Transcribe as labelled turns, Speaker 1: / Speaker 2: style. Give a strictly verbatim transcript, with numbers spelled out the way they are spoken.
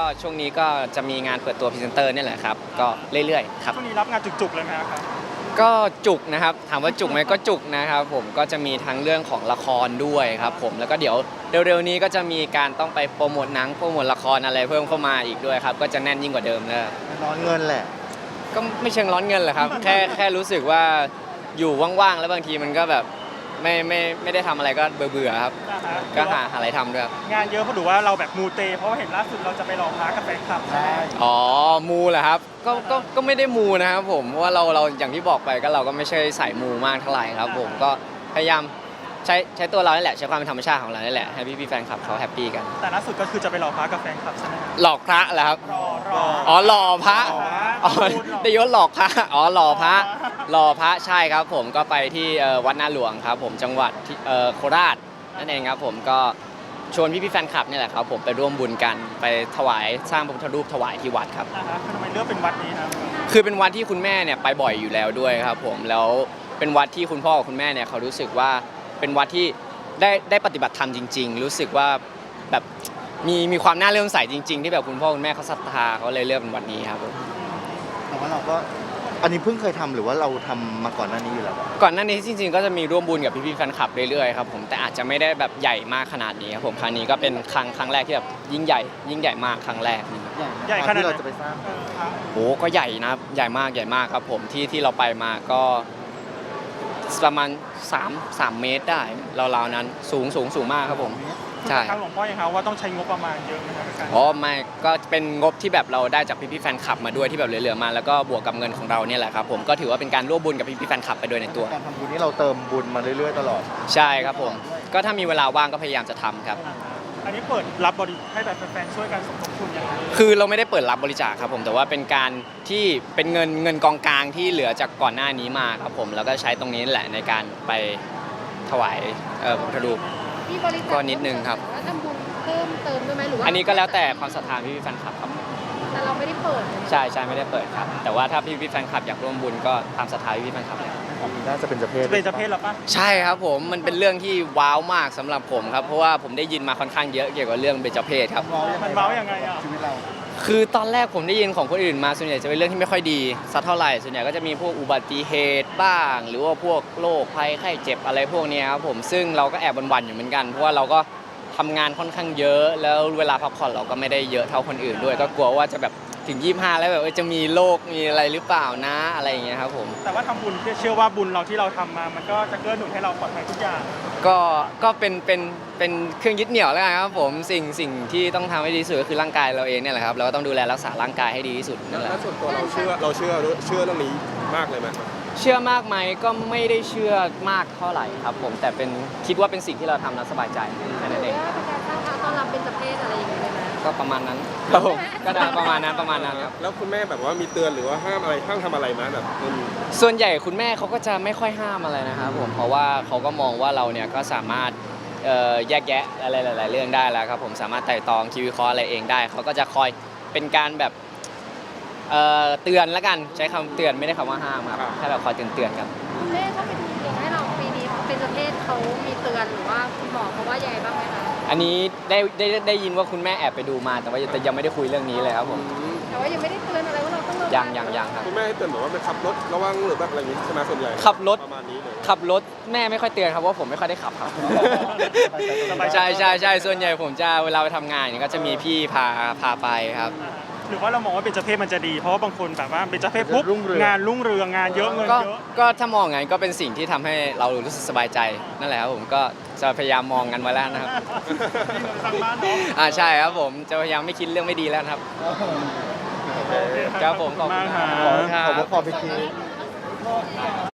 Speaker 1: ช่วงนี้ก็จะมีงานเปิดตัวพรีเซนเตอร์นี่แหละครับก็เรื่อยๆครับ
Speaker 2: ช่วงนี้รับงานจุกๆเลยไหมครับ
Speaker 1: ก็จุกนะครับถามว่าจุกไหมก็จุกนะครับผมก็จะมีทั้งเรื่องของละครด้วยครับผมแล้วก็เดี๋ยวเร็วๆนี้ก็จะมีการต้องไปโปรโมทหนังโปรโมทละครอะไรเพิ่มเข้ามาอีกด้วยครับก็จะแน่นยิ่งกว่าเดิมแล้ว
Speaker 3: ร้อนเงินแหละ
Speaker 1: ก็ไม่เชิงร้อนเงินหรอกครับแค่แค่รู้สึกว่าอยู่ว่างๆแล้วบางทีมันก็แบบไม่ไม่ไม่ได้ทำอะไรก็เบื่อๆครับก็หาอะไรทำด้วย
Speaker 2: งานเยอะเพราะดูว่าเราแบบมูเตเพราะว่าเห็นล่าสุดเราจะไปรอพระกับแฟนคลับใช่
Speaker 1: อ๋อมูเหรอครับก็ก็ก็ไม่ได้มูนะครับผมเพราะว่าเราเราอย่างที่บอกไปก็เราก็ไม่ใช่สายมูมากเท่าไหร่ครับผมก็พยายามใช้ใช้ตัวเรานี่แหละใช้ความเป็นธรรมชาติของเรานี่แหละให้พี่พี่แฟนคลับเขาแฮปปี้กัน
Speaker 2: แต่ล่าสุดก็คือจะไปรอพระกับแฟนคลับใช่ไหม
Speaker 1: หลอกพระเหรอครับ
Speaker 2: รอรอ
Speaker 1: อ๋อหล่อพระอ๋อได้ยศหลอกพระอ๋อหล่อพระหล่อพระใช่ครับผมก็ไปที่วัดนาหลวงครับผมจังหวัดโคราชนั่นเองครับผมก็ชวนพี่พี่แฟนคลับนี่แหละครับผมไปร่วมบุญกันไปถวายสร้างพระพุทธรูปถวายที่วัดครับ
Speaker 2: ทำไมเลือกเป็นวัดนี้ครับ
Speaker 1: คือเป็นวัดที่คุณแม่เนี่ยไปบ่อยอยู่แล้วด้วยครับผมแล้วเป็นวัดที่คุณพ่อกับคุณแม่เนี่ยเขารู้สึกว่าเป็นวัดที่ได้ได้ปฏิบัติธรรมจริงๆรู้สึกว่าแบบมีมีความน่าเลื่อมใสจริงๆที่แบบคุณพ่อคุณแม่เขาศรัทธาเขาเลยเลือกเป็นวัดนี้ครับผม
Speaker 3: แต่ว่าเราก็อันนี้เพิ่งเคยทำหรือว่าเราทำมาก่อนหน้านี้อยู่แล้ว
Speaker 1: ก่อนหน้านี้จริงๆก็จะมีร่วมบุญกับพี่ๆแฟนคลับเรื่อยๆครับผมแต่อาจจะไม่ได้แบบใหญ่มากขนาดนี้ครับผมครั้งนี้ก็เป็นครั้งครั้งแรกที่แบบยิ่งใหญ่ยิ่งใหญ่มากครั้งแรก
Speaker 3: ใหญ่ขนาดที่เราจะไปสร้าง
Speaker 1: โอ้ก็ใหญ่นะใหญ่มากใหญ่มากครับผมที่ที่เราไปมาก็ประมาณสาม สามเมตรได้ราวๆนั้นสูงสูงสูงมากครับผม
Speaker 2: ใช่ทางหลวงพ่อยังครับว่าต้องใช้งบประมาณเยอะไหมครับ
Speaker 1: อ๋อไม่ก็เป็นงบที่แบบเราได้จากพี่ๆแฟนคลับมาด้วยที่แบบเหลือๆมาแล้วก็บวกกับเงินของเราเนี่ยแหละครับผมก็ถือว่าเป็นการร่วมบุญกับพี่ๆแฟนคลับไปด้วยในตัว
Speaker 3: การทำบุญนี้เราเติมบุญมาเรื่อยๆตลอด
Speaker 1: ใช่ครับผมก็ถ้ามีเวลาว่างก็พยายามจะทำครับ
Speaker 2: อันนี้เปิดรับบริให้แบบแฟนๆช่วยกันสมทบทุนอย่างไร
Speaker 1: คือเราไม่ได้เปิดรับบริจาคครับผมแต่ว่าเป็นการที่เป็นเงินเงินกองกลางที่เหลือจากก่อนหน้านี้มาครับผมแล้วก็ใช้ตรงนี้แหละในการไปถวายพระพุทธรูปก็นิดนึงครับ
Speaker 4: ทำบุญเพิ่มเติมด้วยไหมหรือว่า
Speaker 1: อันนี้ก็แล้วแต่ความศรัทธาพี่พี่แฟนคลับครับ
Speaker 4: แต่เราไม่ได้เปิด
Speaker 1: ใช่ใช่ไม่ได้เปิดครับแต่ว่าถ้าพี่พี่แฟนคลับอยากร่วมบุญก็ตามศรัทธาพี่พี่แฟนคลับเลย
Speaker 3: น่าจะเป็นเจ้าเพศ
Speaker 2: เป็นเจ้าเพศหรอปะ
Speaker 1: ใช่ครับผมมันเป็นเรื่องที่ว้าวมากสำหรับผมครับเพราะว่าผมได้ยินมาค่อนข้างเยอะเกี่ยวกับเรื่องเบญจเพศครับ
Speaker 2: มันว้าวยังไงอ่ะ
Speaker 3: ชีวิตเรา
Speaker 1: คือตอนแรกผมได้ยินของคนอื่นมาส่วนใหญ่จะเป็นเรื่องที่ไม่ค่อยดีสักเท่าไหร่ส่วนใหญ่ก็จะมีพวกอุบัติเหตุบ้างหรือว่าพวกโรคภัยไข้เจ็บอะไรพวกนี้ครับผมซึ่งเราก็แอบหวั่นๆอยู่เหมือนกันเพราะว่าเราก็ทำงานค่อนข้างเยอะแล้วเวลาพักผ่อนเราก็ไม่ได้เยอะเท่าคนอื่นด้วยก็กลัวว่าจะแบบถึงยี่สิบห้าแล้วแบบจะมีโรคมีอะไรหรือเปล่านะอะไรอย่างเงี้ยครับผม
Speaker 2: แต่ว่าทำบุญเชื่อว่าบุญเราที่เราทำมามันก็จะเกื้อหนุนให้เราปลอดภัยทุกอย่าง
Speaker 1: ก็ก็เป็นเป็นเป็นเครื่องยึดเหนี่ยวแล้วกันครับผมสิ่งสิ่งที่ต้องทำให้ดีที่สุดก็คือร่างกายเราเองเนี่ยแหละครับเราก็ต้องดูแลรักษาร่างกายให้ดีที่สุดนั่นแหละ
Speaker 5: แล้วส่วนตัวเราเชื่อเราเชื่อเชื่อเรื่องนี้มากเลยไหม
Speaker 1: เชื่อมากไหมก็ไม่ได้เชื่อมากเท่าไหร่ครับผมแต่เป็นคิดว่าเป็นสิ่งที่เราทำแล้วสบายใจแค่นั้นเอง
Speaker 4: เป็นการสร้างพระต้อนรับเป็นเจ้าเพศอะไรอย่างเงี้ยเลยไหม
Speaker 1: ก็ประมาณนั้นครับผมก็ได้ประมาณนั้นประมาณนั้นครับ
Speaker 5: แล้วคุณแม่แบบว่ามีเตือนหรือว่าห้ามอะไรห้ามทำอะไรไหมแบบ
Speaker 1: ส่วนใหญ่คุณแม่เขาก็จะไม่ค่อยห้ามอะไรนะครับผมเพราะว่าเขาก็มองว่าเราเนี่ยก็สามารถแยกแยะอะไรหลายๆเรื่องได้แล้วครับผมสามารถไต่ตองคิดวิเคราะห์อะไรเองได้เขาก็จะคอยเป็นการแบบเตือนแล้วกันใช้คำเตือนไม่ได้คำว่าห้ามครับแค่แบบคอยเตือนเตือนกัน
Speaker 4: คุณแม่เขาเป็นดวงให้เราปีนี้เป็นเจ้าเพศเขามีเตือนหรือว่าคุณหมอเขาว่ายังไงบ้างไหมคะ
Speaker 1: อันนี้ได้ได้ได้ยินว่าคุณแม่แอบไปดูมาแต่ว่าแต่ยังไม่ได้คุยเรื่องนี้เลยครับผม
Speaker 4: แต่ว่ายังไม่ได้เตือนอะไรว่าเราต้องระวัง
Speaker 1: ยังยังยังครับ
Speaker 5: คุณแม่ให้เตือนแบบว่าไปขับรถระวังหรือแบบอะไรอย่างนี้ใช่ไหมส่วนใหญ่
Speaker 1: ขับรถ
Speaker 5: ประมาณนี้เลย
Speaker 1: ขับรถแม่ไม่ค่อยเตือนครับว่าผมไม่ค่อยได้ขับครับใช่ใช่ใช่ส่วนใหญ่ผมจะเวลาไปทำงานเนี่ยก็จะมีพี่พาพาไปครับ
Speaker 2: หรือว่าเรามองว่าเป็นเจ้าเพศมันจะดีเพราะว่าบางคนแบบว่าเป็นเจ้าเพศปุ๊บงานรุ่งเรืองงานเยอะเงินเยอะ
Speaker 1: ก็ถ้ามองงั้นก็เป็นสิ่งที่ทำให้เรารู้สึกสบายใจนั่นแหละครับผมก็จะพยายามมองกันไว้แล้วนะครับอ่าใช่ครับผมจะพยายามไม่คิดเรื่องไม่ดีแล้วครับครับผมขอบคุณ
Speaker 2: มากครั
Speaker 3: บขอบคุณขอบคุณ